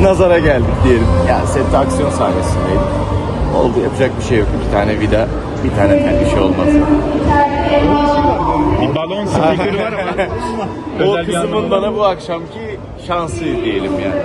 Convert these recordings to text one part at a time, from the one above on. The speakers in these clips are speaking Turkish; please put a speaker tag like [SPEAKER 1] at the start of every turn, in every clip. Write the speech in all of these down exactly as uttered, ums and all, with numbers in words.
[SPEAKER 1] nazara geldik diyelim. Yani sette aksiyon sahnesindeydim. Oldu, yapacak bir şey yok. Bir tane vida, bir tane tel, bir şey olmaz.
[SPEAKER 2] Bir balon spikeri var ama.
[SPEAKER 1] O
[SPEAKER 2] Özel bir
[SPEAKER 1] kısmın
[SPEAKER 2] anlamı
[SPEAKER 1] bana bu akşamki şansı diyelim yani.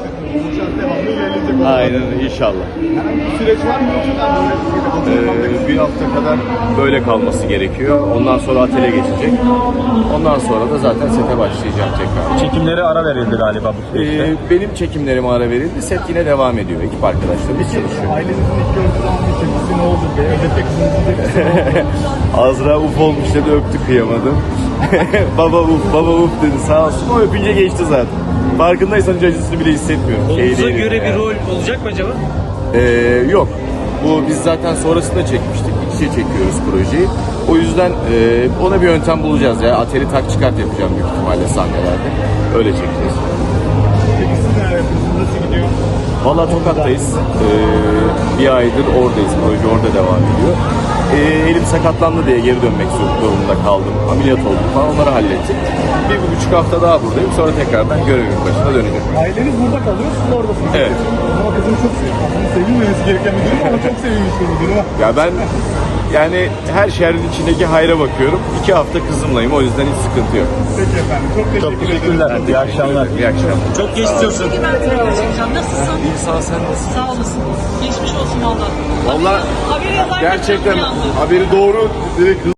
[SPEAKER 1] Aynen, inşallah.
[SPEAKER 3] Süreç var mı?
[SPEAKER 1] Ee, bir hafta kadar böyle kalması gerekiyor. Ondan sonra atele geçecek. Ondan sonra da zaten sete başlayacağım tekrar.
[SPEAKER 2] Çekimlere ara verildi galiba bu süreçte.
[SPEAKER 1] Ee, benim çekimlerime ara verildi. Set yine devam ediyor. Ekip arkadaşlarımız çalışıyor.
[SPEAKER 3] Ailenizin ilk gördüğü zaman bir tepkisi ne oldu be? Özellikle kızınızın tepkisi ne oldu?
[SPEAKER 1] Azra uf olmuş dedi, öptü, kıyamadım. Baba uf, baba uf dedi, sağ olsun. O öpünce geçti zaten. Farkındaysan hiç acısını bile hissetmiyorum. Şey
[SPEAKER 4] Oğlunuza
[SPEAKER 1] değilim
[SPEAKER 4] göre
[SPEAKER 1] yani.
[SPEAKER 4] bir rol olacak mı acaba?
[SPEAKER 1] Ee, yok. Bu biz zaten sonrasında çekmiştik. İç içe çekiyoruz projeyi. O yüzden e, ona bir yöntem bulacağız ya. Ateli tak çıkart yapacağım büyük ihtimalle sahnelerde. Öyle çekeceğiz.
[SPEAKER 3] Peki siz neler yapıyorsunuz? Nasıl gidiyor?
[SPEAKER 1] Valla Tokat'tayız. Ee, bir aydır oradayız. Proje orada devam ediyor. Ee, elim sakatlandı diye geri dönmek zorunda kaldım. Ameliyat oldum falan, onları hallettik. Bir, bir buçuk hafta daha buradayım. Sonra tekrardan görevimin başına döneceğim.
[SPEAKER 3] Aileniz burada kalıyor, siz oradasınız.
[SPEAKER 1] Evet.
[SPEAKER 3] Ama kızım çok sevinmiş. Sevinmemesi gereken bir durum ama çok sevinmiş bir durum.
[SPEAKER 1] Ya ben yani her şehrin içindeki hayra bakıyorum. İki hafta kızımlayım. O yüzden hiç sıkıntı yok.
[SPEAKER 3] Peki efendim, çok teşekkür
[SPEAKER 2] Çok
[SPEAKER 3] ederim.
[SPEAKER 2] teşekkürler. İyi akşamlar.
[SPEAKER 1] İyi akşamlar.
[SPEAKER 4] Çok geçmiş olsun.
[SPEAKER 5] Peki ben tekrar çekeceğim. Nasılsın?
[SPEAKER 1] İyi, sağ ol, sen nasılsın?
[SPEAKER 5] Sağ olasın. Geçmiş olsun valla.
[SPEAKER 1] Valla
[SPEAKER 5] Haberi yazarken
[SPEAKER 1] gerçekten
[SPEAKER 5] çok uyandım.
[SPEAKER 1] haberi doğru direkt